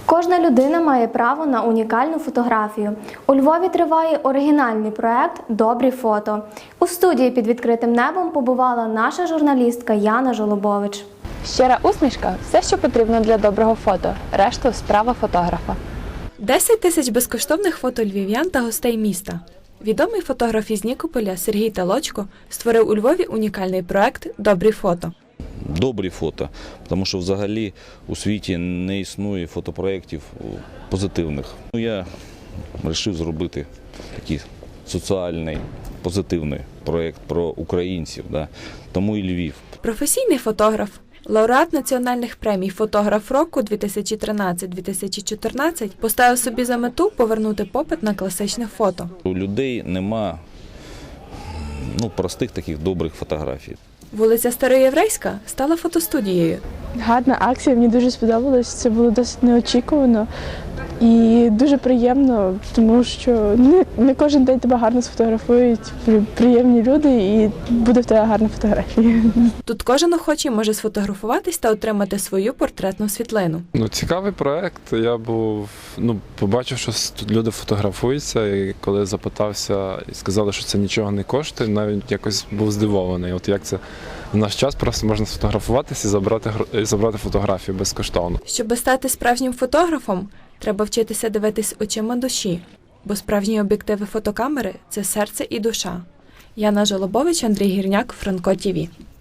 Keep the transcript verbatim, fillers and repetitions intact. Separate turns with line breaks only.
Кожна людина має право на унікальну фотографію. У Львові триває оригінальний проект «Добрі фото». У студії «Під відкритим небом» побувала наша журналістка Яна Жолобович.
Щира усмішка – все, що потрібно для доброго фото. Решту – справа фотографа.
десять тисяч безкоштовних фото львів'ян та гостей міста. Відомий фотограф із Нікополя Сергій Талочко створив у Львові унікальний проект «Добрі фото».
Добрі фото, тому що взагалі у світі не існує фотопроєктів позитивних. Я вирішив зробити такий соціальний, позитивний проєкт про українців, да? Тому і Львів.
Професійний фотограф, лауреат національних премій «Фотограф року» дві тисячі тринадцять - дві тисячі чотирнадцять поставив собі за мету повернути попит на класичне фото.
У людей нема ну, простих таких добрих фотографій.
Вулиця Староєврейська стала фотостудією.
Гарна акція, мені дуже сподобалось, це було досить неочікувано і дуже приємно, тому що не, не кожен день тебе гарно сфотографують, приємні люди і буде в тебе гарна фотографія.
Тут кожен охочий може сфотографуватись та отримати свою портретну світлину.
Ну, цікавий проєкт. Я був, ну, побачив, що тут люди фотографуються, і коли запитався і сказали, що це нічого не коштує, навіть якось був здивований. От як це в наш час просто можна сфотографуватися і забрати, і забрати фотографію безкоштовно.
Щоб стати справжнім фотографом, треба вчитися дивитись очима душі, бо справжні об'єктиви фотокамери – це серце і душа. Яна Жолобович, Андрій Гірняк, Франко ТІВІ.